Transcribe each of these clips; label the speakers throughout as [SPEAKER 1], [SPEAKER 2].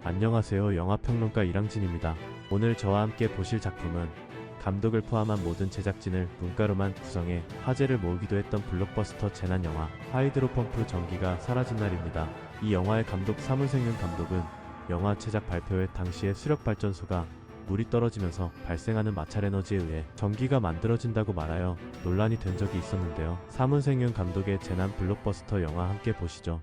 [SPEAKER 1] 안녕하세요. 영화평론가 이랑진입니다. 오늘 저와 함께 보실 작품은 감독을 포함한 모든 제작진을 문가로만 구성해 화제를 모으기도 했던 블록버스터 재난영화 하이드로 펌프 전기가 사라진 날입니다. 이 영화의 감독 사문생윤 감독은 영화 제작 발표회 당시에 수력발전소가 물이 떨어지면서 발생하는 마찰에너지에 의해 전기가 만들어진다고 말하여 논란이 된 적이 있었는데요. 사문생윤 감독의 재난 블록버스터 영화 함께 보시죠.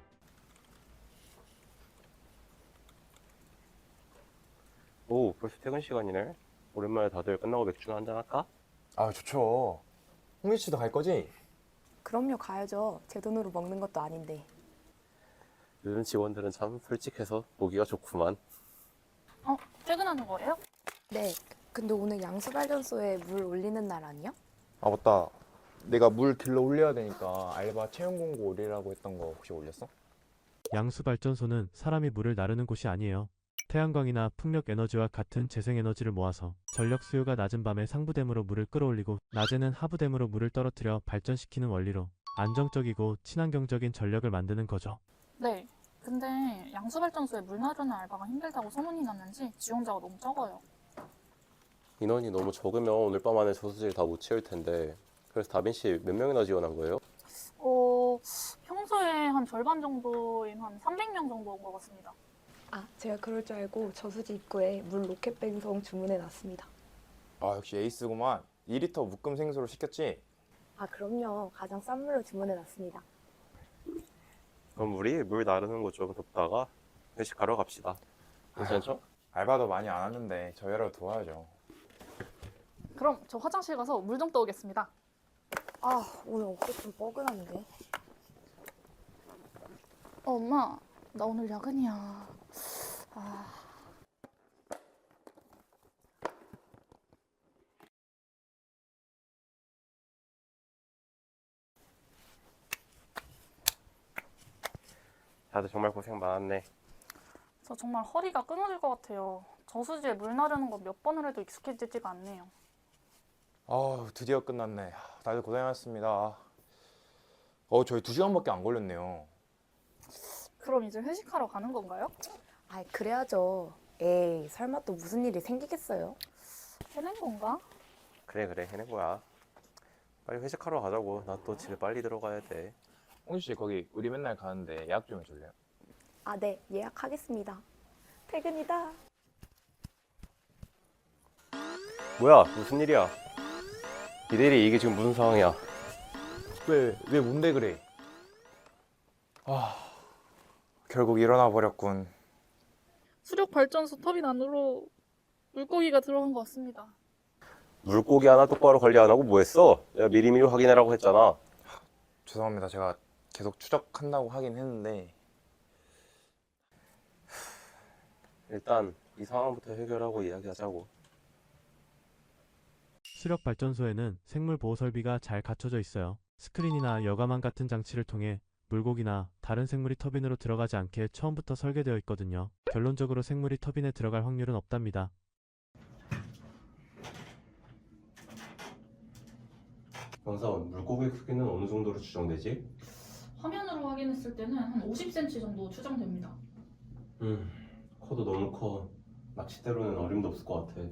[SPEAKER 2] 오, 벌써 퇴근 시간이네. 오랜만에 다들 끝나고 맥주나 한잔 할까?
[SPEAKER 3] 아, 좋죠. 홍일 씨도 갈 거지?
[SPEAKER 4] 그럼요, 가야죠. 제 돈으로 먹는 것도 아닌데.
[SPEAKER 2] 요즘 직원들은 참 솔직해서 보기가 좋구만.
[SPEAKER 5] 퇴근하는 거예요?
[SPEAKER 4] 네, 근데 오늘 양수발전소에 물 올리는 날 아니야?
[SPEAKER 3] 아, 맞다. 내가 물 길러 올려야 되니까 알바 채용 공고 올리라고 했던 거 혹시 올렸어?
[SPEAKER 1] 양수발전소는 사람이 물을 나르는 곳이 아니에요. 태양광이나 풍력에너지와 같은 재생에너지를 모아서 전력 수요가 낮은 밤에 상부댐으로 물을 끌어올리고 낮에는 하부댐으로 물을 떨어뜨려 발전시키는 원리로 안정적이고 친환경적인 전력을 만드는 거죠.
[SPEAKER 5] 네. 근데 양수발전소에 물 나르는 알바가 힘들다고 소문이 났는지 지원자가 너무 적어요.
[SPEAKER 2] 인원이 너무 적으면 오늘 밤 안에 저수지를 다 못 채울 텐데. 그래서 다빈 씨 몇 명이나 지원한 거예요?
[SPEAKER 5] 평소에 한 절반 정도인 한 300명 정도 온 것 같습니다.
[SPEAKER 4] 아, 제가 그럴 줄 알고 저수지 입구에 물 로켓 뱅송 주문해 놨습니다.
[SPEAKER 3] 아, 역시 에이스구만. 2리터 묶음 생수로 시켰지?
[SPEAKER 4] 아, 그럼요. 가장 싼 물로 주문해 놨습니다.
[SPEAKER 2] 그럼 우리 물 나르는 거 좀 돕다가 회식하러 갑시다. 괜찮죠?
[SPEAKER 3] 알바도 많이 안 왔는데 저희라도 도와야죠.
[SPEAKER 5] 그럼 저 화장실 가서 물 좀 떠오겠습니다.
[SPEAKER 4] 아, 오늘 어깨 좀 뻐근한데.
[SPEAKER 5] 엄마, 나 오늘 야근이야.
[SPEAKER 2] 다들 정말 고생 많았네.
[SPEAKER 5] 저 정말 허리가 끊어질 것 같아요. 저수지에 물 나르는 거 몇 번을 해도 익숙해지지가 않네요.
[SPEAKER 3] 아, 드디어 끝났네. 다들 고생하셨습니다. 저희 2시간밖에 안 걸렸네요.
[SPEAKER 5] 그럼 이제 회식하러 가는 건가요?
[SPEAKER 4] 아, 그래야죠. 에이, 설마 또 무슨 일이 생기겠어요?
[SPEAKER 5] 해낸 건가?
[SPEAKER 2] 그래 해낸 거야. 빨리 회식하러 가자고. 나 또 집에 빨리 들어가야 돼.
[SPEAKER 3] 홍일 씨, 거기 우리 맨날 가는데 예약 좀 해줄래요?
[SPEAKER 4] 아, 네, 예약하겠습니다. 퇴근이다.
[SPEAKER 2] 뭐야, 무슨 일이야? 이대리, 이게 지금 무슨 상황이야?
[SPEAKER 3] 왜 뭔데 그래? 아, 결국 일어나 버렸군.
[SPEAKER 5] 수력발전소 터빈 안으로 물고기가 들어간 것 같습니다.
[SPEAKER 2] 물고기 하나 똑바로 관리 안 하고 뭐 했어? 내가 미리미리 확인해라고 했잖아.
[SPEAKER 3] 죄송합니다. 제가 계속 추적한다고 하긴 했는데.
[SPEAKER 2] 일단 이 상황부터 해결하고 이야기하자고.
[SPEAKER 1] 수력발전소에는 생물 보호 설비가 잘 갖춰져 있어요. 스크린이나 여과망 같은 장치를 통해 물고기나 다른 생물이 터빈으로 들어가지 않게 처음부터 설계되어 있거든요. 결론적으로 생물이 터빈에 들어갈 확률은 없답니다.
[SPEAKER 2] 영사원, 물고기 크기는 어느 정도로 추정되지?
[SPEAKER 5] 화면으로 확인했을 때는 한 50cm 정도 추정됩니다.
[SPEAKER 2] 커도 너무 커. 낚싯대로는 어림도 없을 것 같아.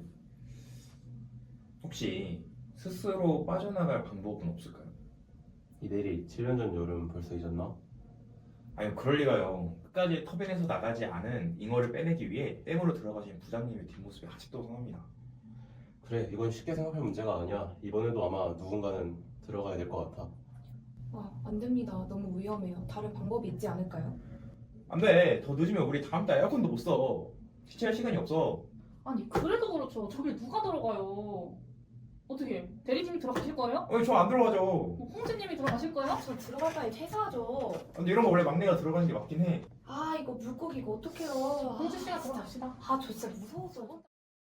[SPEAKER 6] 혹시 스스로 빠져나갈 방법은 없을까요?
[SPEAKER 2] 이대리, 7년 전 여름 벌써 잊었나?
[SPEAKER 6] 아니 그럴 리가요. 끝까지 터빈에서 나가지 않은 잉어를 빼내기 위해 댐으로 들어가신 부장님의 뒷모습이 아직도 생각납니다.
[SPEAKER 2] 그래, 이건 쉽게 생각할 문제가 아니야. 이번에도 아마 누군가는 들어가야 될 것 같아.
[SPEAKER 7] 안 됩니다. 너무 위험해요. 다른 방법이 있지 않을까요?
[SPEAKER 6] 안돼, 더 늦으면 우리 다음 달 에어컨도 못 써. 시체할 시간이 없어.
[SPEAKER 5] 아니 그래도 그렇죠. 저길 누가 들어가요? 어떻게 대리님이 들어가실 거예요?
[SPEAKER 6] 저 안 들어가죠.
[SPEAKER 5] 홍진님이 들어가실 거예요?
[SPEAKER 7] 저 들어갈 바에 퇴사하죠.
[SPEAKER 6] 근데 이런 거 원래 막내가 들어가는 게 맞긴 해.
[SPEAKER 7] 아, 이거 물고기 이거 어떡해요.
[SPEAKER 5] 홍진 씨가 들어갑시다.
[SPEAKER 7] 저 진짜 무서워서.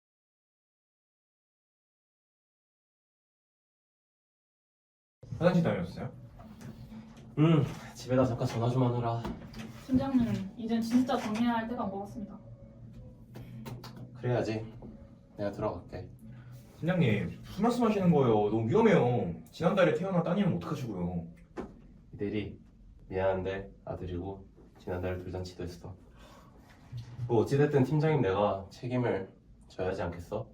[SPEAKER 6] 화장실 다녀오셨어요?
[SPEAKER 2] 집에다 잠깐 전화 좀 하느라.
[SPEAKER 5] 팀장님, 이젠 진짜 정리해야 할 때가 온 것 같습니다.
[SPEAKER 2] 그래야지. 내가 들어갈게.
[SPEAKER 6] 팀장님, 무슨 말씀 하시는 거예요? 너무 위험해요. 지난달에 태어난 따님은 어떡하시고요?
[SPEAKER 2] 이대리, 미안한데 아들이고 지난달에 돌잔치도 했어. 뭐 어찌됐든 팀장님 내가 책임을 져야 하지 않겠어?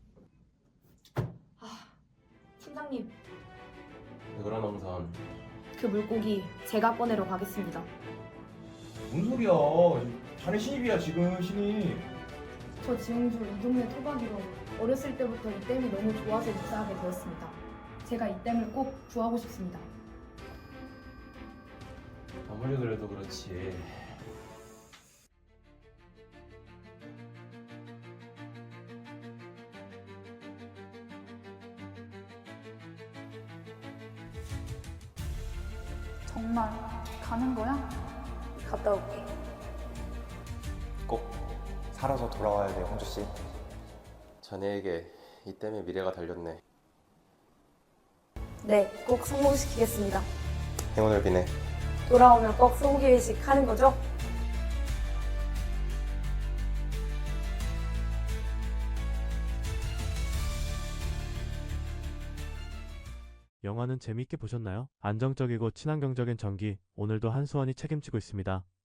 [SPEAKER 7] 팀장님,
[SPEAKER 2] 왜 그러나 우선.
[SPEAKER 7] 그 물고기 제가 꺼내러 가겠습니다.
[SPEAKER 6] 뭔 소리야? 자네 신입이야 지금 신입.
[SPEAKER 7] 저 지용주 이 동네 토박이로 어렸을 때부터 이 댐이 너무 좋아서 입사하게 되었습니다. 제가 이 댐을 꼭 구하고 싶습니다.
[SPEAKER 2] 아무리 그래도 그렇지.
[SPEAKER 5] 정말 가는 거야?
[SPEAKER 4] 갔다 올게.
[SPEAKER 3] 꼭 살아서 돌아와야 돼요, 홍주 씨.
[SPEAKER 2] 자네에게 이 때문에 미래가 달렸네.
[SPEAKER 4] 네, 꼭 성공시키겠습니다.
[SPEAKER 2] 행운을 비네.
[SPEAKER 4] 돌아오면 꼭 소고기 회식 하는 거죠?
[SPEAKER 1] 영화는 재미있게 보셨나요? 안정적이고 친환경적인 전기, 오늘도 한수원이 책임지고 있습니다.